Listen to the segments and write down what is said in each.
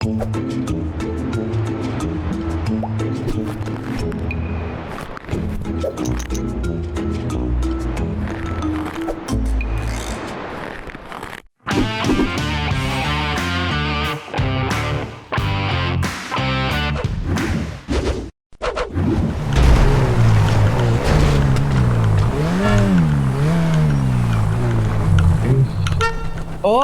โอ้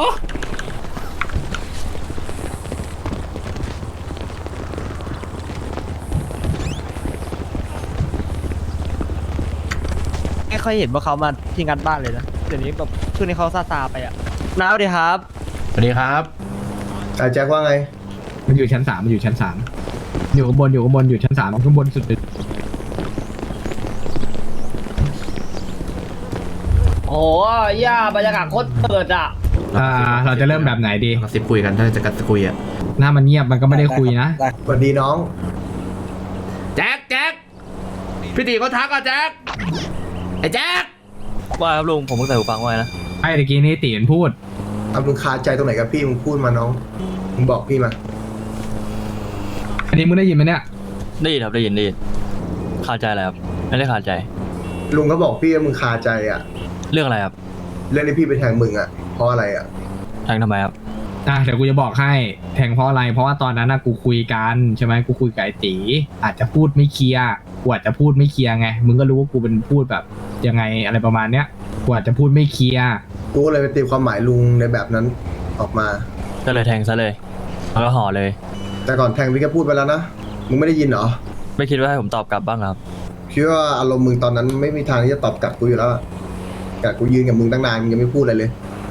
ไม่ค่อยเห็นว่าเขามาที่งัดบ้านเลยนะเดี๋ยวนี้แบบช่วงนี้เขาซาไปอ่ะน้าสวัสดีครับสวัสดีครับแจ็คว่าไงมันอยู่ชั้นสามอยู่ชั้น3อยู่ข้างบนอยู่ชั้น3ข้างบนสุดเลยโอ้ย่าบรรยากาศโคตรเปิดอ่ะเราจะเริ่มแบบไหนดีกระซิบคุยกันถ้าจะกระซิบคุยอะหน้ามันเงียบมันก็ไม่ได้คุยนะสวัสดีน้องแจ็คพี่ตีเขาทักอ่ะแจ็คไอ้แจ็คว่าครับลุงผมเพิ่งใส่หูฟังไว้นะไอ้ตะกี้นี่ตีมันพูดเอามึงคาใจตรงไหนกับพี่มึงพูดมาน้อง มึงบอกพี่มาอันนี้มึงได้ยินไหมเนี่ยได้ยินครับได้ยินคาใจอะไรครับไม่ได้คาใจลุงก็บอกพี่ว่ามึงคาใจอ่ะเรื่องอะไรครับเรื่องที่พี่ไปแทงมึงอ่ะ เพราะอะไรอ่ะแทงทำไมครับเดี๋ยวกูจะบอกให้แทงเพราะอะไรเพราะว่าตอนนั้นกูคุยกันใช่ไหมกูคุยกับไอ้ตีอาจจะพูดไม่เคลียร์กูอาจจะพูดไม่เคลียร์ไงมึงก็รู้ว่ากูเป็นพูดแบบยังไงอะไรประมาณเนี้ยกูอาจจะพูดไม่เคลียร์กูก็เลยไปตีความหมายลุงในแบบนั้นออกมาก็เลยแทงซะเลยแล้วก็ห่อเลยแต่ก่อนแทงพี่ก็พูดไปแล้วนะ มึงไม่ได้ยินเหรอไม่คิดว่าให้ผมตอบกลับบ้างครับคิดว่าอารมณ์มึงตอนนั้นไม่มีทางที่จะตอบกลับกูอยู่แล้วอะแต่กูยืนกับมึงตั้งนานมึงยังไม่พูดอะไรเลย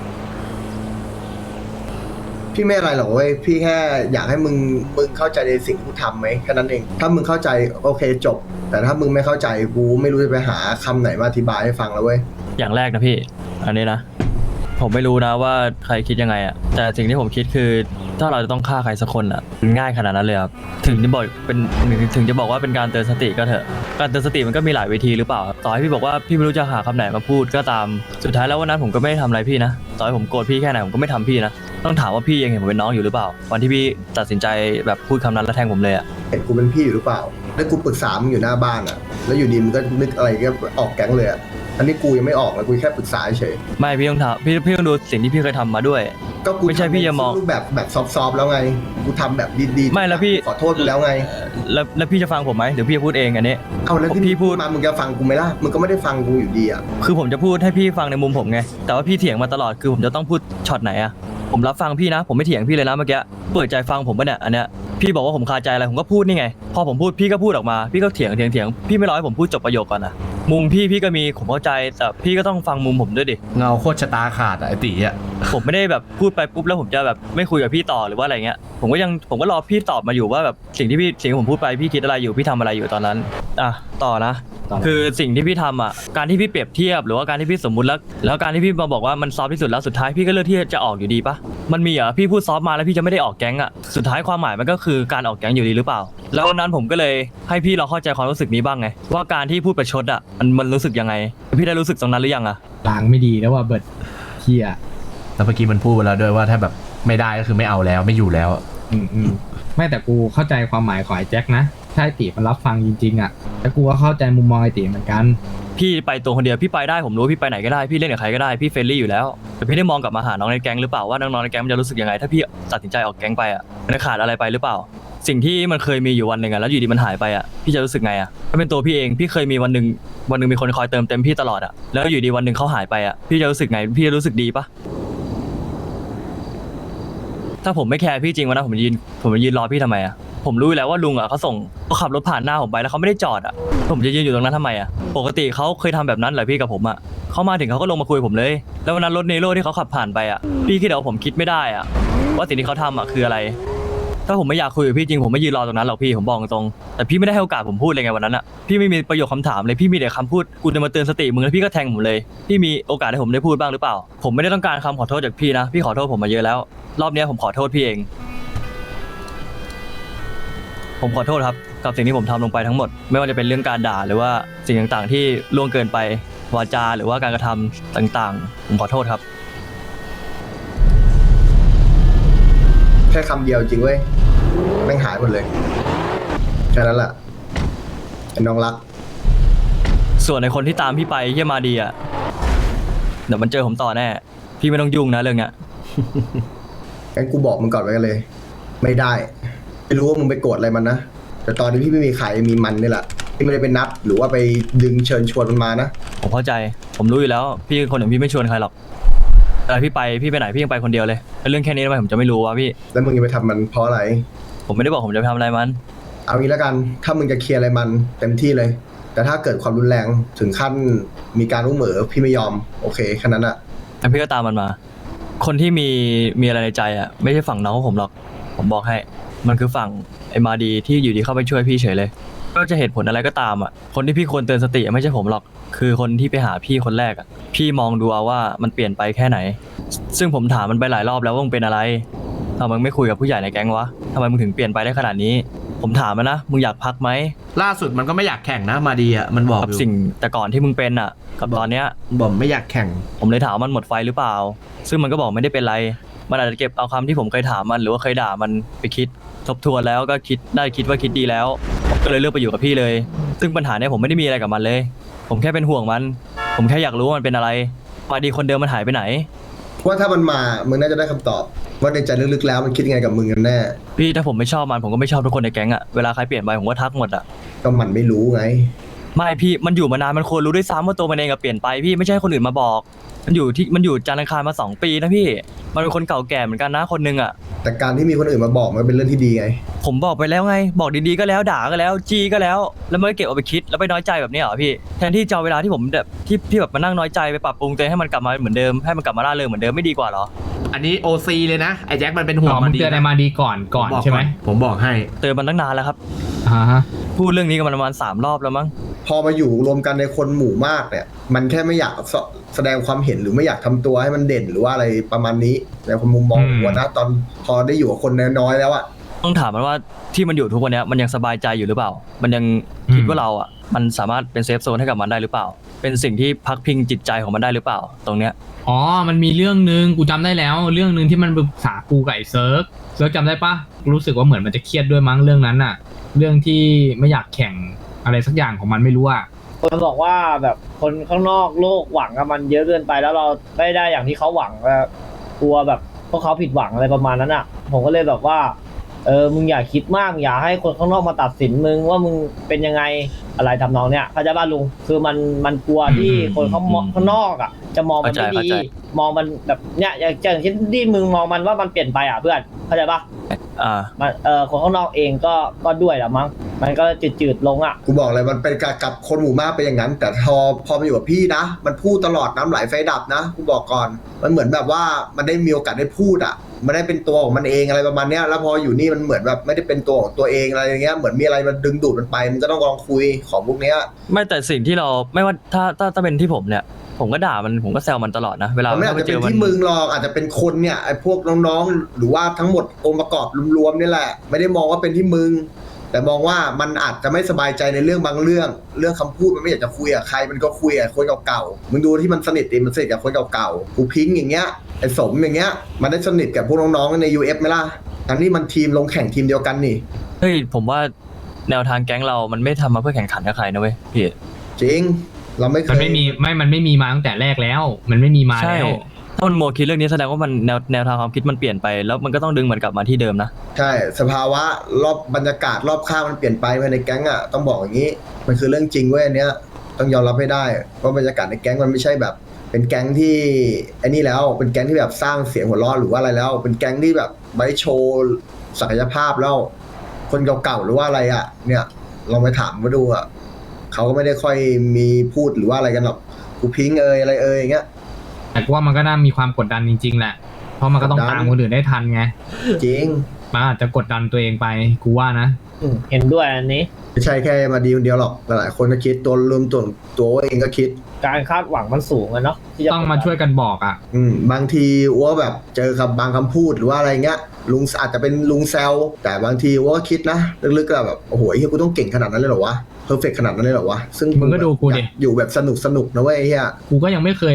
พี่ไม่อะไรหรอกเว้ย พี่แค่อยากให้มึงเข้าใจในสิ่งที่กูทำไหมแค่นั้นเอง ถ้ามึงเข้าใจโอเคจบ แต่ถ้ามึงไม่เข้าใจกูไม่รู้จะไปหาคำไหนมาอธิบายให้ฟังแล้วเว้ยอย่างแรกนะพี่อันนี้นะผมไม่รู้นะว่าใครคิดยังไงอะแต่สิ่งที่ผมคิดคือถ้าเราจะต้องฆ่าใครสักคนอะมันง่ายขนาดนั้นเลยครับถึงจะบอกว่าเป็นการเตือนสติก็เถอะการเตือนสติมันก็มีหลายวิธีหรือเปล่าต่อให้พี่บอกว่าพี่ไม่รู้จะหาคำไหนมาพูดก็ตามสุดท้ายแล้ววันนั้นผมก็ไม่ได้ทำอะไรพี่นะต่อให้ผมโกรธพี่แค่ไหนผมก็ไม่ทำพี่นะต้องถามว่าพี่ยังเห็นผมเป็นน้องอยู่หรือเปล่าวันที่พี่ตัดสินใจแบบพูดคำนั้นแล้วแทงผมเลยอะเห็นกูเป็นพี่อยู่หรือเปล่า แล้วกูปรึกษามึงอยู่หน้าบ้านอ่ะ แล้วอยู่ดีมึงก็นึกอะไรก็ออกแก๊งเลยอ่ะ อันนี้กูยังไม่ออกนะกูแค่ปรึกษาเฉยไม่พี่ต้องถามพี่ต้องดูสิ่งที่พี่เคยทำมาด้วยก็กูไม่ใช่พี่จะมองรูปแบบซอฟต์ๆแล้วไง กูทำแบบดีๆไม่แล้วพี่ขอโทษกูแล้วไงแล้วพี่จะฟังผมไหมเดี๋ยวพี่จะพูดเองอันนี้เอาแล้วที่พี่พูดมามึงจะฟังกูไหมล่ะ มึงก็ไม่ได้ฟังกูอยู่ดีอ่ะคือผมจะพูดให้พี่ฟังในมุมผมไงแต่ว่าพี่เถียงมาตลอดคือผมจะต้องพูดช็อตไหนอะผมรับฟังพี่นะผมไม่เถียงพี่เลยนะเมื่อกี้เปิดใจฟังผมปะเนี่ยอันเนี้ยพี่บอกว่าผมคาใจอะไรผมก็พูดนี่ไงพอผมพูดพี่ก็พูดออกมาพี่ก็เถียงพี่ไม่รอให้ผมพูดจบประโยคก่อนนะมุมพี่ก็มีผมเข้าใจแต่พี่ก็ต้องฟังมุมผมด้วยดิเงาโคตรชะตาขาดอะไอ้ตีอะผมไม่ได้แบบพูดไปปุ๊บแล้วผมจะแบบไม่คุยกับพี่ต่อหรือว่าอะไรเงี้ยผมก็รอพี่ตอบมาอยู่ว่าแบบสิ่งที่ผมพูดไปพี่คิดอะไรอยู่พี่ทำอะไรอยู่ตอนนั้นอ่ะต่อนะ คือสิ่งที่พี่ทำอ่ะการที่พี่เปรียบเทียบหรือว่าการที่พี่สมมุติแล้วการที่พี่มาบอกว่ามันซอฟที่สุดแล้วสุดท้ายพี่ก็เลือกที่จะออกอยู่ดีปะมันมีเหรอพี่พูดซอฟมาแล้วพี่จะไม่ได้ออกแก๊งอ่ะสุดท้ายความหมายมันก็คือการออกแก๊งอยู่ดีหรือเปล่าแล้ววันนั้นผมก็เลยให้พี่ลองเข้าใจความรู้สึกนี้บ้างไงว่าการที่พูดประชดอ่ะมันรู้สึกยังไงพี่ได้รู้สึกตรงนั้นหรือยังอ่ะลางไม่ดีแล้วว่าเบิร์ดเฮียแล้วเมื่อกี้มันพูดไปแล้วด้วยว่าถ้าแบบไม่ได้ก็คือไม่เอาแล้วไม่อยู่แล้วไม่แต่กูเข้าใจความหมายของไอ้แจ็คนะถ้าไอ้ตีมันรับฟังจริงๆอ่ะแต่กูก็เข้าใจมุมมองไอ้ตีเหมือนกันพี่ไปตัวคนเดียวพี่ไปได้ผมรู้ว่าพี่ไปไหนก็ได้พี่เล่นกับใครก็ได้พี่เฟรนลี่อยู่แล้วแต่พี่ได้มองกลับมาหาน้องในแก๊งหรือเปล่าว่าน้องๆในแก๊งมันจะรู้สึกยังไงถ้าพี่ตัดสินใจออกแก๊งไปอ่ะมันขาดอะไรไปหรือเปล่าสิ่งที่มันเคยมีอยู่วันหนึ่งอ่ะแล้วอยู่ดีมันหายไปอ่ะพี่จะรู้สึกไงอ่ะถ้าเป็นตัวพี่เองพี่เคยมีวันหนึ่งมีคนคอยเติมเต็มพี่ตลอดอ่ะแล้วอยู่ดีวันหนึ่งเขาหายไปอ่ะพี่จะรู้สึกไงพี่จะรู้สึกดีปะถ้าผมไม่แคร์พี่จริงวันนั้นผมยืนรอพี่ทำไมอ่ะผมรู้อยู่แล้วว่าลุงอ่ะเขาขับรถผ่านหน้าผมไปแล้วเขาไม่ได้จอดอ่ะผมจะยืนอยู่ตรงนั้นทำไมอ่ะปกติเขาเคยทำแบบนั้นเหรอพี่กับผมอ่ะเขามาถึงเขาก็ลงมาคุยผมเลยแล้ววันนั้นรถเนโร่ที่เขาขับผ่านไปอ่ะพี่คิดว่าผมคิดไม่ได้อ่ะว่าสิ่งที่เขาทำอ่ะคืออะไรถ้าผมไม่อยากคุยกับพี่จริงผมไม่ยืนรอตรงนั้นหรอกพี่ผมบอกตรงแต่พี่ไม่ได้ให้โอกาสผมพูดเลยไงวันนั้นอ่ะพี่ไม่มีประโยคคำถามเลยพี่มีแต่คำพูดกูจะมาเตือนสติมึงแล้วพี่ก็แทงผมเลยพี่มีโอกาสให้ผมได้พูดบ้างหรือเปล่าผมไม่ได้ต้องการคำขอโทษจากพี่นะพี่ขอโทษผมมาเยอะแล้วรอบนี้ผมขอโทษพี่เองผมขอโทษครับกับสิ่งที่ผมทำลงไปทั้งหมดไม่ว่าจะเป็นเรื่องการด่าหรือว่าสิ่งต่างๆที่ล่วงเกินไปวาจาหรือว่าการกระทำต่างๆผมขอโทษครับแค่คำเดียวจริงเว้ยแม่งหายหมดเลยแค่นั้นแหละไอ้น้องรักส่วนในคนที่ตามพี่ไปเยี่ยมาดีอ่ะเดี๋ยวมันเจอผมต่อแน่พี่ไม่ต้องยุ่งนะเรื่องเนี้ยงั้นกูบอกมึงก่อนไว้กันเลย ไม่ได้ไม่รู้ว่ามึงไปโกรธอะไรมันนะแต่ตอนนี้พี่ไม่มีใครมีมันนี่แหละพี่ไม่ได้ไปนัดหรือว่าไปดึงเชิญชวนมันมานะผมเข้าใจผมรู้อยู่แล้วพี่คนอย่างพี่ไม่ชวนใครหรอกแต่พี่ไปไหนพี่ยังไปคนเดียวเลยแล้วเรื่องแค่นี้ทำไมผมจะไม่รู้วะพี่แล้วมึงจะไปทำมันเพราะอะไรผมไม่ได้บอกผมจะไปทำอะไรมันเอางี้แล้วกันถ้ามึงจะเคลียร์อะไรมันเต็มที่เลย แต่ถ้าเกิดความรุนแรงถึงขั้นมีการรู้เหมอพี่ไม่ยอมโอเคแค่นั้นอะแล้วพี่ก็ตามมันมา คนที่มีอะไรในใจอ่ะไม่ใช่ฝั่งน้องของผมหรอกผมบอกให้มันคือฝั่งไอ้มาดีที่อยู่ดีเข้าไปช่วยพี่เฉยเลยก็จะเหตุผลอะไรก็ตามอ่ะคนที่พี่ควรเตือนสติไม่ใช่ผมหรอกคือคนที่ไปหาพี่คนแรกอ่ะพี่มองดูเอาว่ามันเปลี่ยนไปแค่ไหน ซึ่งผมถามมันไปหลายรอบแล้วว่ามึงเป็นอะไรทำไมมึงไม่คุยกับผู้ใหญ่ในแก๊งวะทำไมมึงถึงเปลี่ยนไปได้ขนาดนี้ผมถามมันนะมึงอยากพักไหมล่าสุดมันก็ไม่อยากแข่งนะมาดีอ่ะมันบอกกับอยู่สิ่งแต่ก่อนที่มึงเป็นอ่ะกับตอนเนี้ยบอกไม่อยากแข่งผมเลยถามว่ามันหมดไฟหรือเปล่า ซึ่งมันก็บอกไม่ได้เป็นไร มันอาจจะเก็บเอาคำที่ผมเคยถามมันหรือว่าเคยด่ามันไปคิด ทบทวนแล้วก็คิดว่าคิดดีแล้วผมก็เลยเลือกไปอยู่กับพี่เลย ซึ่งปัญหาเนี้ยผมไม่ได้มีอะไรกับมันเลย ผมแค่เป็นห่วงมัน ผมแค่อยากรู้ว่ามันเป็นอะไรมาดีคนเดิมมันหายไปไหนว่าถ้ามันมามึงน่าจะได้คำตอบว่าในใจลึกๆแล้วมันคิดยังไงกับมึงกันแน่พี่ถ้าผมไม่ชอบมันผมก็ไม่ชอบทุกคนในแก๊งอะเวลาใครเปลี่ยนไปผมก็ทักหมดอะก็มันไม่รู้ไงไม่พี่มันอยู่มานานมันควรรู้ด้วยซ้ำว่าตัวมันเองอะเปลี่ยนไปพี่ไม่ใช่ให้คนอื่นมาบอก มันอยู่จันทร์อังคารมา2 ปีนะพี่มันเป็นคนเก่าแก่เหมือนกันนะคนนึงอะแต่การที่มีคนอื่นมาบอกมันเป็นเรื่องที่ดีไงผมบอกไปแล้วไง บอกดีๆก็แล้วด่าก็แล้วจีก็แล้วแล้วไม่เก็บเอาไปคิดแล้วไปน้อยใจแบบนี้เหรอพี่แทนที่จะเอาเวลาที่ผมแบบที่แบบมานั่งน้อยใจไปปรับปรุงตัวเองให้มันกลับมาเหมือนเดิมให้มันกลับมาร่าเริงเหมือนเดิมไม่ดีกว่าเหรออันนี้โอซีเลยนะไอ้แจ็คมันเป็นห่วงอ๋อมามึงดีเตือนไอ้มาดีก่อนบอกใช่ไหมผมบอกให้เตือนมันตั้งนานแล้วครับฮะพูดเรื่องนี้กันมาประมาณ3 รอบแล้วมั้งพอมาอยู่รวมกันในคนหมู่มากเนี่ย มันแค่ไม่อยากแสดงความเห็นหรือไม่อยากทำตัวให้มันเด่นหรือว่าอะไรประมาณนี้ในความมุมมองของวันนะตอนพอได้อยู่กับคนน้อยๆแล้วอะต้องถามมันว่าที่มันอยู่ทุกวันเนี้ยมันยังสบายใจอยู่หรือเปล่า มันยังคิดว่าเราอ่ะมันสามารถเป็นเซฟโซนให้กับมันได้หรือเปล่า เป็นสิ่งที่พักพิงจิตใจของมันได้หรือเปล่า ตรงเนี้ยอ๋อมันมีเรื่องนึงกูจำได้แล้ว เรื่องนึงที่มันปรึกษากูกับไอ้เซิร์กจำได้ปะรู้สึกว่าเหมือนมันจะเครียดด้วยมั้งเรื่องนั้นน่ะ เรื่องที่ไม่อยากแข่งอะไรสักอย่างของมันไม่รู้อ่ะคนบอกว่าแบบคนข้างนอกโลกหวังกับมันเยอะเกินไปแล้วเราไม่ได้อย่างที่เขาหวังแล้วกลัวแบบพวกเขาผิดหวังอะไรประมาณนั้นอ่ะ ผมก็เลยแบบว่ามึงอย่าคิดมากอย่าให้คนข้างนอกมาตัดสินมึงว่ามึงเป็นยังไงอะไรทำนองเนี้ยเข้าใจป่ะลุงคือมันกลัวที่คนข้างนอกอ่ะจะมองมันไม่ดีมองมันแบบเนี้ยอย่างเช่นที่มึงมองมันว่ามันเปลี่ยนไปอ่ะเพื่อนเข้าใจป่ะ มันคนข้างนอกเองก็ด้วยแหละมั้งมันก็จืดลงอ่ะกูบอกเลยมันเป็นกับคนหมู่มากเป็นอย่างนั้น แต่พอมาอยู่กับพี่นะ มันพูดตลอดน้ำไหลไฟดับนะกูบอกก่อนมันเหมือนแบบว่ามันได้มีโอกาสได้พูดอ่ะมันได้เป็นตัวของมันเองอะไรประมาณเนี้ยแล้วพออยู่นี่มันเหมือนแบบไม่ได้เป็นตัวของตัวเองอะไรอย่างเงี้ยเหมือนมีอะไรมันดึงดูดมันไปมันก็ต้องลองคุยของพวกเนี้ยไม่แต่สิ่งที่เราไม่ว่าถ้าเป็นที่ผมเนี่ยผมก็ด่ามันผมก็แซวมันตลอดนะเวลามันไม่อาจจะเป็นที่มึงหรอกอาจจะเป็นคนเนี่ยไอ้พวกน้องๆหรือว่าทั้งหมดองค์ประกอบรวมๆนี่แหละไม่ได้มองว่าเป็นที่มึงแต่มองว่ามันอาจจะไม่สบายใจในเรื่องบางเรื่องคำพูดมันไม่อยากจะคุยกับใครมันก็คุยกับคนเก่าๆมึงดูที่มันสนิทดิมันสนิทกับคนเก่าๆกูพิงค์อย่างเงี้ยไอ้สมอย่างเงี้ยมันได้สนิทกับพวกน้องๆใน UF ไหมล่ะทั้งที่มันทีมลงแข่งทีมเดียวกันนี่เฮ้ยผมว่าแนวทางแก๊งเรามันไม่ทำมาเพื่อแข่งขันกับใครนะเว้ยพี่จริงเราไม่เคยมันไม่มีมาตั้งแต่แรกแล้ว มันไม่มีมาใช่แล้วถ้ามันโมคิดเรื่องนี้แสดงว่ามันแนวทางความคิดมันเปลี่ยนไปแล้วมันก็ต้องดึงมันกลับมาที่เดิมนะใช่สภาวะรอบบรรยากาศรอบข้างมันเปลี่ยนไปภายในแก๊งอ่ะต้องบอกอย่างนี้มันคือเรื่องจริงเว้ยอันเนี้ยต้องยอมรับให้ได้ว่าบรรยากาศในแก๊งมันไม่ใช่แบบเป็นแก๊งที่ไอ้นี่แล้วเป็นแก๊งที่แบบสร้างเสียงหัวเราะหรือว่าอะไรแล้ว เป็นแก๊งที่แบบไว้โชว์ศักยภาพแล้วคนเก่าๆหรือว่าอะไรอ่ะเนี่ยลองไปถามมาดูอ่ะเขาก็ไม่ได้ค่อยมีพูดหรือว่าอะไรกันหรอกกูพิงค์อะไรอย่างเงี้ยแต่กูว่ามันก็น่ามีความกดดันจริงๆแหละเพราะมันก็ต้องตามคนอื่นได้ทันไงจริงมันอาจจะกดดันตัวเองไปกูว่านะเห็นด้วยอันนี้ไม่ใช่แค่มาดีคนเดียวหรอกหลายๆคนก็คิดตัวรวมตัวเองก็คิดการคาดหวังมันสูงอะเนาะที่จะต้องมาช่วยกันบอกอ่ะบางทีว่าแบบเจอกับบางคำพูดหรือว่าอะไรเงี้ยลุงอาจจะเป็นลุงแซวแต่บางทีว่าคิดนะลึกๆก็แบบโอ้โหเฮียกูต้องเก่งขนาดนั้นเลยเหรอวะเพอร์เฟกขนาดนั้นเลยเหรอวะซึ่งมึงก็ดูกูดิอยู่แบบสนุกนะเว้ยเฮียกูก็ยังไม่เคยแบบ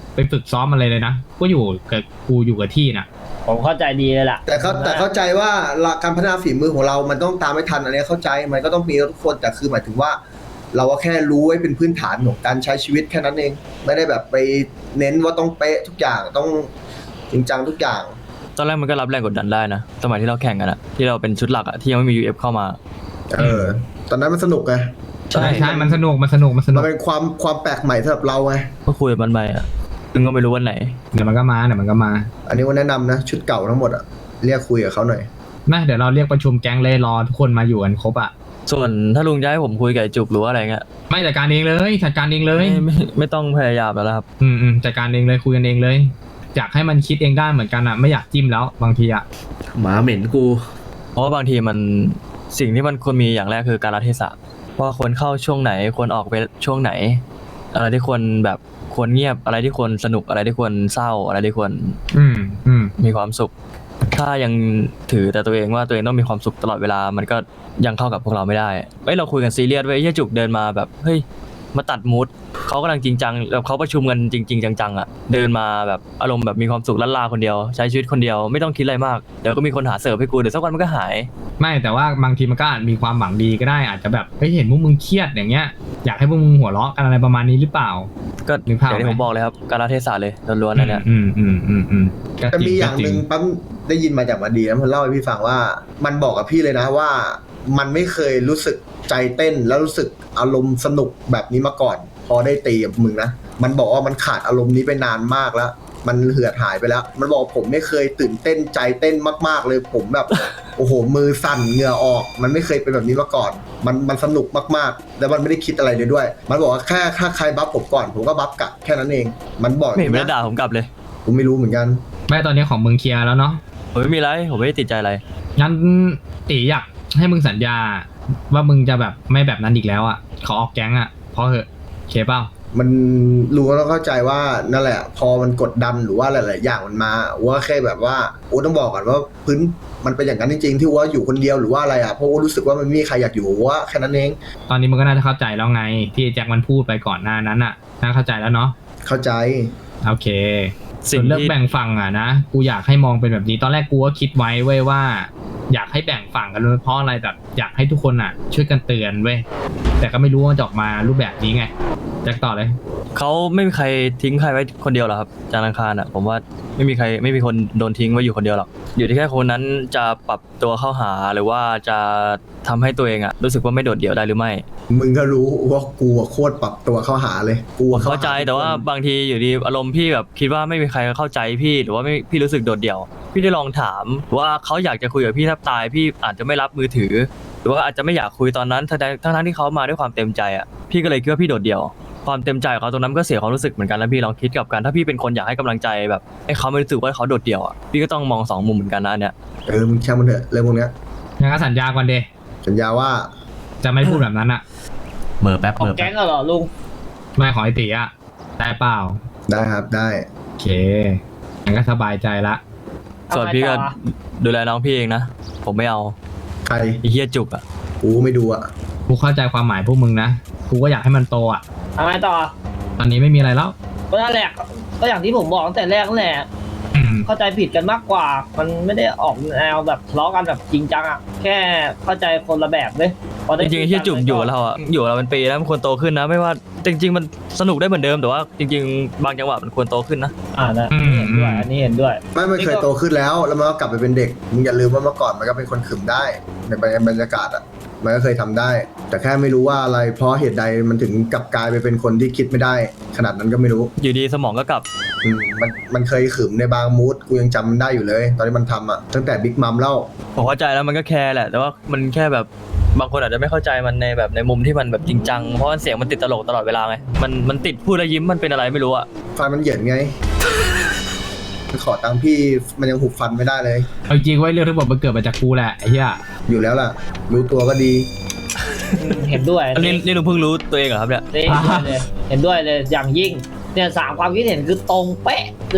ไปฝึกซ้อมอะไรเลยนะก็อยู่กับที่นะผมเข้าใจดีเลยล่ะแต่เข้าใจว่าการพัฒนาฝีมือของเรามันต้องตามไม่ทันอันนี้เข้าใจมันก็ต้องมีทุกคนแต่คือหมายถึงว่า เราก็แค่รู้ไว้เป็นพื้นฐานของการใช้ชีวิตแค่นั้นเอง ไม่ได้แบบไปเน้นว่าต้องเป๊ะทุกอย่างต้องจริงจังทุกอย่างตอนแรกมันก็รับแรงกดดันได้นะสมัยที่เราแข่งกันอะที่เราเป็นชุดหลักอะที่ยังไม่มี UF เข้ามาตอนนั้นมันสนุกไงใช่มันสนุกมันเป็นความแปลกใหม่สำหรับเราไงก็คุยกับมันไปอะมึงก็ไม่รู้วันไหนเดี๋ยวมันก็มาอันนี้ว่าแนะนำนะชุดเก่าทั้งหมดอะเรียกคุยกับเขาหน่อยนะเดี๋ยวเราเรียกประชุมแก๊งเลยรอทุกคนมาอยู่กันครบอ่ะส่วนถ้าลุงจะให้ผมคุยกับไอ้จุกหรือว่าอะไรเงี้ยไม่จัดการเองเลยจัดการเองเลยไม่ต้องพยายามแล้วครับจัดการเองเลยคุยกันเองเลยอยากให้มันคิดเองได้เหมือนกันอ่ะไม่อยากจิ้มแล้วบางทีอ่ะหมาเหม็นกูเพราะว่าบางทีมันสิ่งที่มันควรมีอย่างแรกคือการรัเทศะว่าควรเข้าช่วงไหนควรออกไปช่วงไหน อะไรที่ควรแบบควรเงียบอะไรที่ควรสนุกอะไรที่ควรเศร้าอะไรที่ควร มีความสุข ถ้ายังถือแต่ตัวเองว่าตัวเองต้องมีความสุขตลอดเวลามันก็ยังเข้ากับพวกเราไม่ได้เราคุยกันซีเรียสไว้เฮียจุกเดินมาแบบเฮ้ยมาตัดมูดเขากำลังจริงจังแบบเขาประชุมกันจริงๆจังๆอ่ะเดินมาแบบอารมณ์แบบมีความสุขล้านลาคนเดียวใช้ชีวิตคนเดียวไม่ต้องคิดอะไรมากเดี๋ยวก็มีคนหาเสิร์ฟให้กูเดี๋ยวสักวันมันก็หายไม่แต่ว่าบางทีมันก็อาจมีความหวังดีก็ได้อาจจะแบบเฮ้ยเห็นพวกมึงเครียดอย่างเงี้ยอยากให้พวกมึงหัวเราะกันอะไรประมาณนี้หรือเปล่าก็นึกภาพอย่างที่ผมบอกเลยครับการรัเทศะเลยล้วนๆนั่นเนี่ยแต่มีอย่างหนึ่งปั๊มได้ยินมาจากมาดีนะมันเล่าให้พี่ฟังว่ามันบอกกับพี่เลยนะว่ามันไม่เคยรู้สึกใจเต้นแล้วรู้สึกอารมณ์สนุกแบบนี้มาก่อนพอได้ตีกับมึงนะมันบอกว่ามันขาดอารมณ์นี้ไปนานมากแล้วมันเหือดหายไปแล้วมันบอกผมไม่เคยตื่นเต้นใจเต้นมากๆเลยผมแบบ โอ้โหมือสั่นเหงื่อออกมันไม่เคยเป็นแบบนี้มาก่อนมันสนุกมากๆแล้วมันไม่ได้คิดอะไรเลยด้วยมันบอกว่าแค่ถ้าใครบัฟผมก่อนผมก็บัฟกลับแค่นั้นเองมันบอกไม่เห็นได้ด่าผมกลับเลยผมไม่รู้เหมือนกันไม่ตอนนี้ของมึงเคลียร์แล้วเนาะผมไม่มีอะไรผมไม่ได้ติดใจอะไรงั้นตีอยากให้มึงสัญญาว่ามึงจะแบบไม่แบบนั้นอีกแล้วอ่ะขอออกแก๊งอ่ะเพราะเหอะเคเปล่ามันรู้แล้วเข้าใจว่านั่นแหละ พอมันกดดันหรือว่าหลายๆอย่างมันมาว่าแค่แบบว่าโอ้ต้องบอกก่อนว่าพื้นมันเป็นอย่างนั้นจริงๆที่ว่าอยู่คนเดียวหรือว่าอะไรอ่ะเพราะว่ารู้สึกว่ามันไม่มีใครอยากอยู่ว่าแค่นั้นเองตอนนี้มึงก็น่าจะเข้าใจแล้วไงที่แจ็คมันพูดไปก่อนหน้านั้นอ่ะน่าเข้าใจแล้วเนาะเข้าใจโอเคสิ่ส่งวนเรื่องที่แบ่งฝั่งอ่ะนะกูอยากให้มองเป็นแบบนี้ตอนแรกกูก็คิดไว้เว้ยว่า อยากให้แบ่งฝั่งกันเพราะอะไรแบบอยากให้ทุกคนอ่ะ ช่วยกันเตือนเว้ยแต่ก็ไม่รู้ว่าจะออกมารูปแบบนี้ไงแจ็คต่อเลยเขาไม่มีใครทิ้งใครไว้คนเดียวหรอกครับจานอังคารอ่ะผมว่าไม่มีคนโดนทิ้งไว้อยู่คนเดียวหรอกอยู่ที่แค่คนนั้นจะปรับตัวเข้าหาหรือว่าจะทำให้ตัวเองอ่ะรู้สึกว่าไม่โดดเดี่ยวได้หรือไม่มึงก็รู้ว่ากูอะโคตรปรับตัวเข้าหาเลยกูอะเข้าใจแต่ว่าบางทีอยู่ดีอารมณ์พี่แบบคิดว่าไม่มีใครเข้าใจพี่หรือว่าไม่พี่รู้สึกโดดเดี่ยว พี่ได้ลองถามว่าเขาอยากจะคุยกับพี่แทบตายพี่อาจจะไม่รับมือถือ หรือว่าอาจจะไม่อยากคุยตอนนั้นทั้งที่เขามาด้วยความเต็มใจอ่ะพี่ก็เลยคิดว่าพี่โดดเดี่ยวความเต็มใจของเขาตรงนั้นก็เสียความรู้สึกเหมือนกันแล้วพี่ลองคิดกับการถ้าพี่เป็นคนอยากให้กำลังใจแบบให้เขาไม่รู้สึกว่าเขาโดดเดี่ยวอ่ะพี่ก็ต้องมองสองมุมเหมือนกันนะเนี่ยมึงช่างมันเถอะเรื่องพวกเนี้ยงั้นก็สัญญาก่อนเดสัญญาว่าจะไม่พูดแบบนั้นอ่ะเมื่อแป๊บออกแก๊งเหรอลุงไม่ขอไอตีอ่ะได้เปล่าได้ครับได้โอเคงั้นก็สบายใจละส่วนพี่ก็ดูแลน้องพี่เองนะผมไม่เอาใครไอ้เหี้ยจุกอ่ะกูไม่ดูอ่ะกูเข้าใจความหมายพวกมึงนะกูก็อยากให้มันโตอ่ะทำไมต่อตอนนี้ไม่มีอะไรแล้วก็นั่นแหละก็อย่างที่ผมบอกตั้งแต่แรกนั่นแหละเข้าใจผิดกันมากกว่า มันไม่ได้ออกแนวแบบทะเลาะกันแบบจริงจังอ่ะแค่เข้าใจคนละแบบเลยพอจได้ริงๆไอ้เหี้ยจุกอยู่กับเราอ่ะอยู่กับเราเป็นปีแล้วมันควรโตขึ้นนะไม่ว่าจริงๆมันสนุกได้เหมือนเดิมแต่ว่าจริงๆบางจังหวะมันควรโตขึ้นนะนะเห็นด้วยอันนี้เห็นด้วยไม่เคยโตขึ้นแล้วมันก็กลับไปเป็นเด็กมึงอย่าลืมว่าเมื่อก่อนมันก็เป็นคนขึมได้ในบรรยากาศอ่ะมันก็เคยทำได้ แต่แค่ไม่รู้ว่าอะไรเพราะเหตุใดมันถึงกลับกลายไปเป็นคนที่คิดไม่ได้ ขนาดนั้นก็ไม่รู้อยู่ดีสมองก็กลับมันเคยขึมในบางมูดกูยังจำมันได้อยู่เลย ตอนที่มันทำอ่ะตั้งแต่บิ๊กมัมเล่าผมเข้าใจแล้วมันก็แคร์แหละแต่ว่ามันแค่แบบบางคนอาจจะไม่เข้าใจมันในแบบในมุมที่มันแบบจริงจังเพราะว่าเสียงมันติดตลกตลอดเวลาไงมันติดพูดแล้วยิ้มมันเป็นอะไรไม่รู้อะฟันมันเหยินไง ขอตังค์พี่มันยังหุบฟันไม่ได้เลยเอาจริงไว้เรื่องทั้งหมดมันเกิดมาจากกูแหละไอ้เหี้ยอยู่แล้วล่ะ รู้ตัวก็ดีเห็นด้วยอันนี้ลุงเพิ่งรู้ตัวเองเหรอครับเนี่ยเห็นด้วยเลยอย่างยิ่งเนี่ย3 ความคิดเห็นคือตรงเป๊ะเลย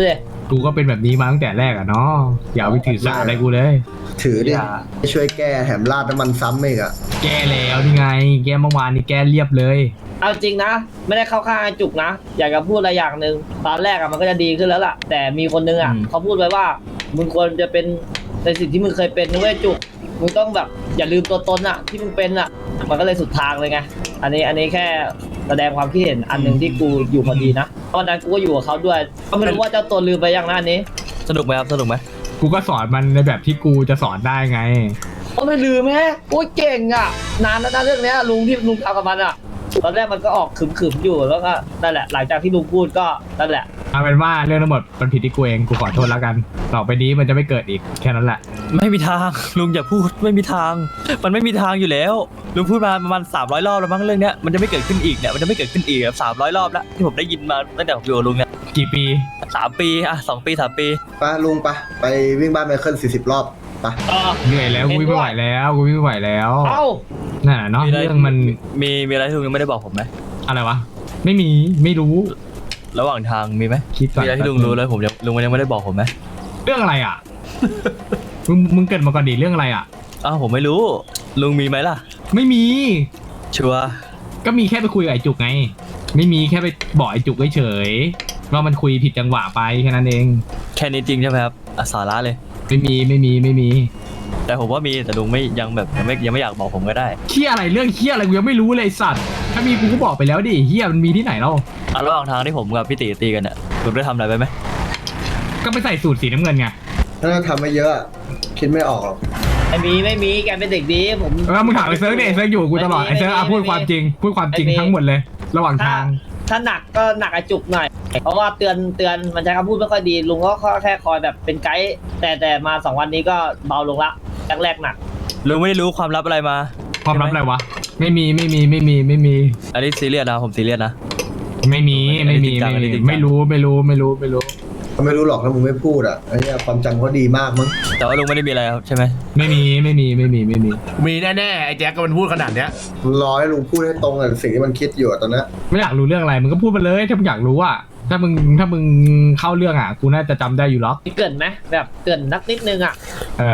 กูก็เป็นแบบนี้มาตั้งแต่แรกอะเนาะอย่าเอาไปถือสาอะไรกูเลยถือดิอย่าช่วยแก้แถมราดน้ำมันซ้ำอีกอะแก้แล้วนี่ไง แก้เมื่อวานนี่แก้เรียบเลยเอาจริงนะ ไม่ได้เข้าข้างไอ้จุกนะ อยากจะพูดอะไรอย่างหนึ่งตอนแรกอะมันก็จะดีขึ้นแล้วล่ะ แต่มีคนนึงอะอืมเขาพูดไว้ว่ามึงควรจะเป็นในสิ่งที่มึงเคยเป็นนะเว้ยจุกมึงต้องแบบอย่าลืมตัวตนอะที่มึงเป็นอะมันก็เลยสุดทางเลยไงอันนี้แค่แสดงความคิดเห็นอันหนึ่งที่กูอยู่พอดีนะตอนนั้นกูก็อยู่กับเขาด้วยก็ไม่รู้ว่าเจ้าตัวลืมไปยังนะอันนี้สนุกไหมครับสนุกไหมกูก็สอนมันในแบบที่กูจะสอนได้ไงก็ไม่ลืมแม่โอ้ยเก่งอ่ะ นานแล้วนะเรื่องเนี้ยลุงที่ลุงทำกับมันอ่ะ ตอนแรกมันก็ออกขึมๆอยู่แล้วก็นั่นแหละ หลังจากที่ลุงพูดก็นั่นแหละเอาเป็นว่าเรื่องทั้งหมดมันผิดที่กูเองกูขอโทษแล้วกันต่อไปนี้มันจะไม่เกิดอีกแค่นั้นแหละไม่มีทาง ลุงอย่าพูดไม่มีทาง มันไม่มีทางอยู่แล้วลุงพูดมาประมาณ300 รอบแล้วมั้งเรื่องเนี้ยมันจะไม่เกิดขึ้นอีกเนี่ยมันจะไม่เกิดขึ้นอีกแบบ300 รอบแล้วที่ผมได้ยินมาตั้งแต่ผมอยู่กับลุงเนี่ยกี่ปี 3 ปีอ่ะ2 ปี 3 ปีไปลุงไปวิ่งบ้านไมเคิล40 รอบไปเหนื่อยแล้วกูวิ่งไม่ไหวแล้วกูวิ่งไม่ไหวแล้วเอ้านั่นน่ะเนาะมีอะไรเรื่องมันมีอะไรที่ลุงยังไม่ได้บอกผมไหมอะไรวะไม่มีไม่รู้ระหว่างทางมีไหมคิดก่อนมีอะไรที่ลุงรู้แล้วผมยังลุงยังไม่ได้บอกผมไหมเรื่องอะไรอ่ะ มึงเกิดมาก่อนดิเรื่องอะไรอ่ะอ้าวผมไม่รู้ลุงมีไหมล่ะไม่มีชัวร์ก็มีแค่ไปคุยกับไอ้จุกไง ไม่มีแค่ไปบอกไอ้จุกเฉยๆว่ามันคุยผิดจังหวะไปแค่นั้นเองแค่นี้จริงใช่ไหมครับอ่ะสาระเลยไม่มีแต่ผมว่ามีแต่ลุงไม่ยังแบบยังไม่อยากบอกผมก็ได้เฮียอะไรเรื่องเฮียอะไรกูยังไม่รู้เลยไอ้สัตว์ถ้ามีกูก็บอกไปแล้วดิเฮียมันมีที่ไหนเล่าอ่ะระหว่างทางที่ผมกับพี่ตีตีกันเนี่ยลุงได้ทำอะไรไปไหมก็ไปใส่สูตรสีน้ำเงินไงถ้าทำไม่เยอะ คิดไม่ออกหรอกไม่มีแกเป็นเด็กดีผมแล้วมึงถามไอ้เซิร์ฟดิไอ้เซิร์ฟอยู่กับกูตลอดไอ้เซิร์ฟพูดความจริงทั้งหมดเลย ระหว่างทางถ้าหนักก็หนักไอ้จุกหน่อย เพราะว่าเตือนมันใช้คำพูดไม่ค่อยดีลุงก็แค่คอยแบบเป็นไกด์แต่มา2 วันนี้ก็เบาลงละแรกๆหนักลุงไม่ได้รู้ความลับอะไรมาความลับอะไรวะไม่มีอันนี้ซีเรียสนะผมซีเรียสนะไม่รู้ไม่รู้เขาไม่รู้หรอกถ้ามึงไม่พูดอ่ะไอ้เนี่ยความจำเขาดีมากมั้งแต่ว่าลุงไม่ได้มีอะไรครับใช่ไหมไม่มีมีแน่ๆไอ้แจ็คก็มันพูดขนาดเนี้ยรอให้ลุงพูดให้ตรงกับสิ่งที่มันคิดอยู่อะตอนเนี้ยไม่อยากรู้เรื่องอะไรมึงก็พูดมาเลยถ้ามึงอยากรู้อ่ะถ้ามึงเข้าเรื่องอ่ะกูน่าจะจำได้อยู่หรอกเกินไหมแบบเกินนักนิดนึงอ่ะ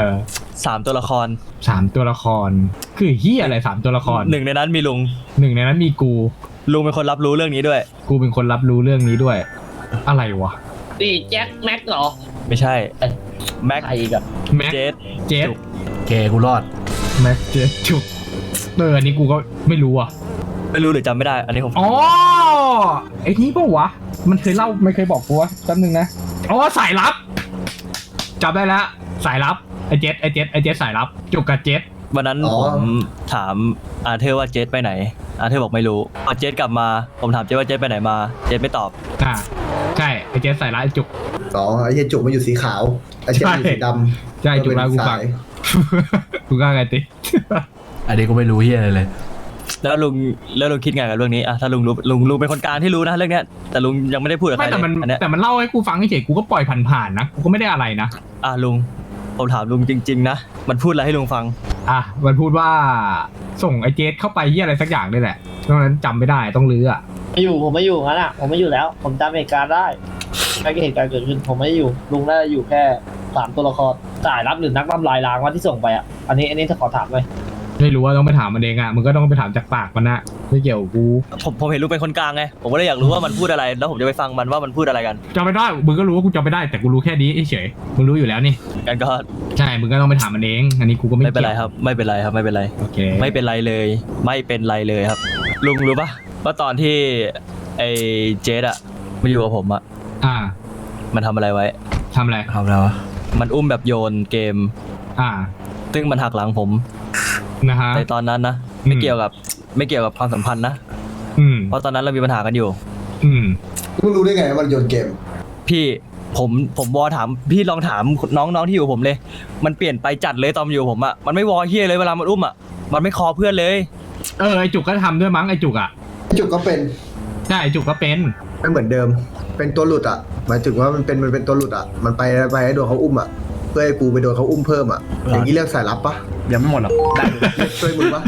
3 ตัวละคร 3 ตัวละครคือเฮียอะไร3 ตัวละครหนึ่งในนั้นมีลุงหนึ่งในนั้นมีกูลุงเป็นคนรับรู้เรื่องนี้ด้วยกูเป็นคนรับรู้เรื่องนี้ด้วย อะไรวะนี่แจ็คแม็กเหรอไม่ใช่แม็กใครอีกอะแม็กเจสเจสจุกเคกูรอดแม็กเจสจุกอันนี้กูก็ไม่รู้อ่ะไม่รู้หรือจำไม่ได้ อันนี้ผมอ๋อไอ้นี่ปะวะมันเคยเล่าไม่เคยบอกกูวะแป๊บนึงนะอ๋อสายลับจำได้แล้วสายลับไอ้เจสสายลับจุกกับเจสวันนั้นผมถามอาเธอร์ว่าเจสไปไหนอาเธอร์บอกไม่รู้พอเจสกลับมาผมถามเจสว่าเจสไปไหนมาเจสไม่ตอบใช่ไอ้เจสสายลับไอ้จุกไอ้เหี้ยจุกมันอยู่สีขาวไอ้เจ๊มันอยู่สีดำใช่จุกแล้วกูฟังสายกูก็ไงติอันนี้ก็ไม่รู้เฮียอะไรเลยแล้วลุงคิดไงกับเรื่องนี้อะถ้าลุงรู้ลุงเป็นคนกลางที่รู้นะเรื่องเนี้ยแต่ลุงยังไม่ได้พูดกับใครไม่แต่มันเลยอันเนี้ยแต่มันเล่าให้กูฟังเฉยๆกูก็ปล่อยผ่านๆนะกูก็ไม่ได้อะไรนะอ่ะลุงผมถามลุงจริงๆนะมันพูดอะไรให้ลุงฟังมันพูดว่าส่งไอ้เจสเข้าไปเหี้ยอะไรสักอย่างนี่แหละตอนนั้นจำไม่ได้ต้องลื้ออ่ะผมไม่อยู่งั้นอ่ะผมไม่อยู่แล้ว ผมจำเหตุการณ์ได้ไม่เหตุการณ์เกิดขึ้นผมไม่อยู่ลุงน่าจะอยู่แค่3 ตัวละครจ่ายรับหรือนักทำลายล้างว่าที่ส่งไปอ่ะอันนี้ถ้าขอถามเลยไม่รู้ว่าต้องไปถามมันเองอ่ะมึงก็ต้องไปถามจากปากมันนะไม่เกี่ยวกับกูผมเห็นลุงเป็นคนกลางไงผมก็เลยอยากรู้ว่ามันพูดอะไรแล้วผมจะไปฟังมันว่ามันพูดอะไรกันจำไม่ได้มึงก็รู้ว่ากูจำไม่ได้แต่กูรู้แค่นี้เฉยๆมึงรู้อยู่แล้วนี่กันก็ใช่มึงก็ต้องไปถามมันเองอันนี้กูก็ไม่ไม่เป็นไรกี่ยวครับไม่เป็นไรครับไม่เป็นไรโอเคไม่เป็นไรเลยไม่เป็นไรเลยครับ ลุงรู้ปะว่าตอนที่ไอ้เจสอะมาอยู่กับผมอะอ่ามันทำอะไรไว้ทำอะไรทำแล้ววะมันอุ้มแบบโยนเกมอ่าซึ่งมันหักหลังผมนะฮะในตอนนั้นนะอืมไม่เกี่ยวกับความสัมพันธ์นะอืมเพราะตอนนั้นเรามีปัญหากันอยู่อืมมึงรู้ได้ไงว่ามันโยนเกมพี่ผมวอถามพี่ลองถามน้องที่อยู่กับผมเลย มันเปลี่ยนไปจัดเลยตอนมันอยู่กับผมอะมันไม่วอเฮียเลยเวลามันอุ้มอะมันไม่คอเพื่อนเลยไอจุกก็ทำด้วยมั้งไอจุกอ่ะจุกก็เป็นใช่ไอจุกก็เป็นไม่เหมือนเดิม เป็นตัวหลุดอ่ะ หมายถึงว่ามันเป็นตัวหลุดอ่ะ มันไปให้โดนเขาอุ้มอ่ะ เพื่อให้กูไปโดนเขาอุ้มเพิ่มอ่ะ อย่างนี้เรียกสายลับปะยังไม่หมดหรอกได้อยู่ช่วยมึงปะ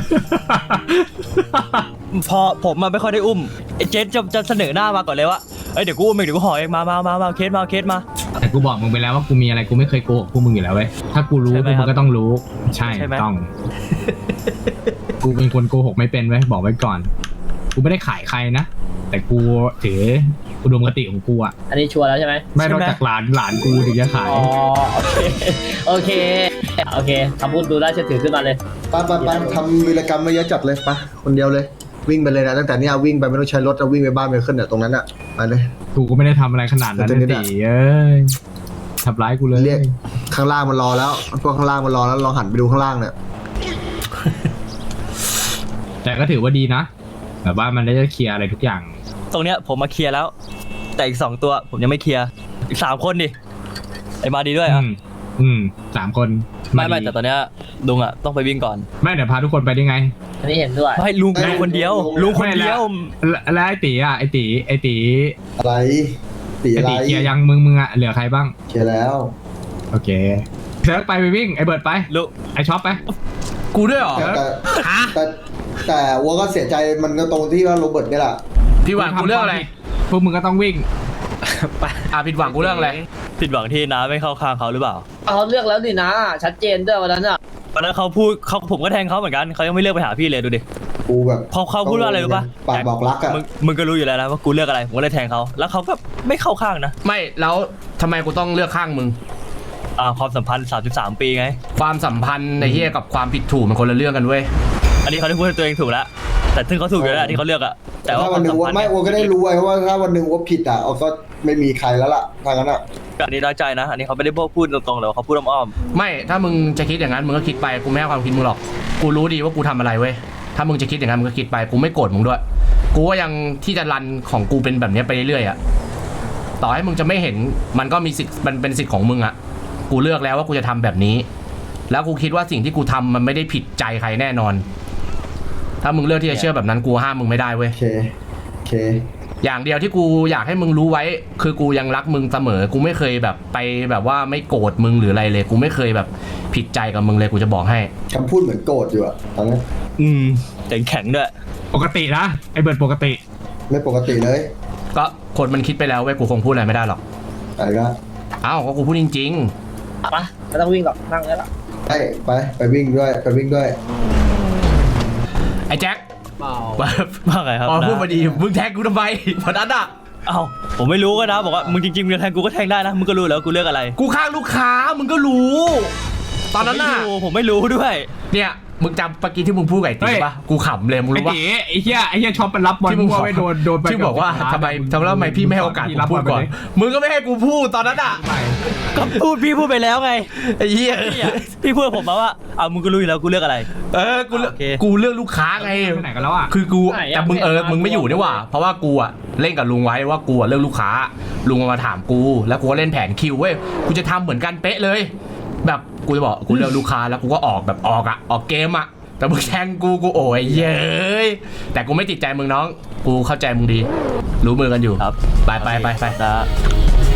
พอผมมาไม่ค่อยได้อุ้มไอ้เจสจะเสนอหน้ามาก่อนเลยว่าเอ้ยเดี๋ยวกูอุ้มเองเดี๋ยวกูห่อเองมาเคสมาแต่กูบอกมึงไปแล้วว่ากูมีอะไรกูไม่เคยโกหกพวกมึงอยู่แล้วเว้ยถ้ากูรู้ใช่ไหพมวกครัมึบงก็ต้องรู้ใช่ใช่ไหมต้อง กูเป็นคนโกหกไม่เป็นเว้ยบอกไว้ก่อน กูไม่ได้ขายใครนะแต่กูถืออุดมคติของกูอะอันนี้ชัวร์แล้วใช่ไหมไม่นอกจากหลานกูถึงจะขายอ๋อโอเคโอเคคำพูดดูน่าเชื่อถือขึ้นมาเลยไปทำวีรกรรมมาเยอะจัดเลยไปคนเดียวเลย วิ่งไปเลยนะตั้งแต่เนี้ยวิ่งไปไม่ต้องใช้รถจะวิ่งไปบ้านไปขึ้นเนี่ยตรงนั้นอ่ะไปเลยกูก็ไม่ได้ทำอะไรขนาดนั้นแต่นะนี่ตีเอ้ยทำร้ายกูเลยเรียกข้างล่างมันรอแล้วพวกข้างล่างมันรอแล้วลองหันไปดูข้างล่างเนี่ยแต่ก็ถือว่าดีนะแบบว่ามันได้เคลียร์อะไรทุกอย่างตรงเนี้ยผมมาเคลียร์แล้ว แต่อีก2ตัวผมยังไม่เคลียร์อีก3คนดิไอ้มาดีด้วยอ่ะ 3 คนไม่ดีแต่ตอนเนี้ยลุงอ่ะต้องไปวิ่งก่อนไม่เดี๋ยวพาทุกคนไปได้ไงอันนี้เห็นด้วยไม่ลุงคนเดียวลุงคนเดียวแล้วไอ้ตีอ่ะไอ้ตีอะไรตีไอ้อะไรตีเคลียร์ยังมึงอ่ะเหลือใครบ้างเคลียร์แล้วโอเคเซิร์ฟไปวิ่งไอ้เบิร์ดไปลุงไอ้ช็อปไปกูด้วยเหรอแต่วัวก็เสียใจมันก็ตรงที่ว่าโรเบิร์ตนี่แหละพี่หวังกูเรื่องอะไรพวกมึงก็ต้องวิ่งผิดหวังกูเรื่องอะไรผิดหวังที่น้าไม่เข้าข้างเขาหรือเปล่าเขาเลือกแล้วนี่นะ ชัดเจนด้วยวันนั้นอ่ะวันนั้นเขาพูดผมก็แทงเขาเหมือนกันเขายังไม่เลือกไปหาพี่เลยดูดิกูแบบเขาพูดว่าอะไรรู้ป่ะปากบอกรักอะมึงก็รู้อยู่แล้วนะว่ากูเลือกอะไรผมก็เลยแทงเขาแล้วเขาก็ไม่เข้าข้างนะไม่แล้วทำไมกูต้องเลือกข้างมึงความสัมพันธ์33 ปีไงความสัมพันธ์ในเฮียกับความผิดถูกมันคนละเรื่องกันเว้ยอันนี้เขาได้พูดให้ตัวเองถูกแล้วแต่ซึ่งเขาถูกอยู่แล้วที่เขาเลือกอะแต่ว่าถ้าควัวาน มหนึ่สังมวัพันนธ์ไม่เนี่ยวัวก็ได้รู้ไว้เพราะว่าถ้าวันหนึ่งวัวผิดอ่ะก็ไม่มีใครแล้วล่ะทางนั้นอ่ะอันนี้น้อยใจนะ อันนี้เขาไม่ได้พูดตรงๆเลยเขาพูดอ้อมไม่ถ้ามึงจะคิดอย่างนั้นมึงก็คิดไปกูไม่ให้ความคิดมึงหรอกกูรู้ดีว่ากูทำอะไรเว้ยถ้ามึงจะคิดอย่างนั้นมึงก็คิดไปกูไม่โกรธมึงด้วยกูก็ยังที่จะรันของกูเป็นแบบนี้ไปเรื่อยๆอ่ะต่อให้มึงจะไม่เห็นมันก็มีสิทธิ์มันเป็นสิทธิ์ของมึงอ่ะกูเลือกแล้วว่ากูจะทำแบบนี้ แล้วกูคิดว่าสิ่งที่กูทำมันไม่ได้ผิดใจใครแน่นอน ถ้ามึงเลือกที่จะเชื่อแบบนั้นกูห้ามมึงไม่ได้เว้ยโอเคอย่างเดียวที่กูอยากให้มึงรู้ไว้ คือกูยังรักมึงเสมอ กูไม่เคยแบบไปแบบว่าไม่โกรธมึงหรืออะไรเลย กูไม่เคยแบบผิดใจกับมึงเลยกูจะบอกให้คำพูดเหมือนโกรธอยู่อะตอนนี้แต่แข็งด้วยปกตินะไอ้เบิร์ดปกติไม่ปกติเลยก็คนมันคิดไปแล้วเว้ยกูคงพูดอะไรไม่ได้หรอกอะไรก็อ้าวก็กูพูดจริงไปไม่ต้องวิ่งหรอกนั่งได้ละไปวิ่งด้วยไปวิ่งด้วยๆ ไอ้แจ็คว่าไงครับอ๋อนะพูดมาดีมึงแท็กกูทำไมวันนั้นอ่ะเอ้าผมไม่รู้ก็นะบอกว่ามึงจริงๆมึงจะแทงกูก็แทงได้นะมึงก็รู้แล้วากูเลือกอะไรกูข้างลูกค้ามึงก็รู้ ตอนนั้นน่ะผมไม่รู้ด้วยเนี่ยมึงจำเมื่อกี้ที่มึงพูดกับไอ้ตีปะกูขำเลยมึงไอ้รู้ปะตีไอ้เหี้ยช็อปมันรับบอลที่มึงมั่วไม่โดนไปที่บอกว่าทำไมพี่ไม่ให้โอกาสกูพูดก่อน มึงก็ไม่ให้กูพูดตอนนั้นอ่ะก็พี่พูดไปแล้วไงไอ้เหี้ยพี่พูดกับผมมาว่ามึงก็รู้อยู่แล้วกูเลือกอะไรกูเลือกโอเคกูเลือกลูกค้าไงไปไหนกันแล้วอ่ะคือกูแต่มึงมึงไม่อยู่นี่หว่า เพราะว่ากูอะเล่นกับลุงไว้ว่ากูอะเลือกลูกค้า ลุงมาถามกู แล้วกูก็เล่นแผนคิวเว้ย กูจะทำเหมือนกันเป๊ะเลย แบบกูจะบอกกูเลือกลูกค้าแล้วกูก็ออกแบบออกเกมอะแต่มึงแทงกูโอ้ยเย้ยแต่กูไม่ติดใจมึงน้อง กูเข้าใจมึงดี รู้มือกันอยู่ครับไปนะ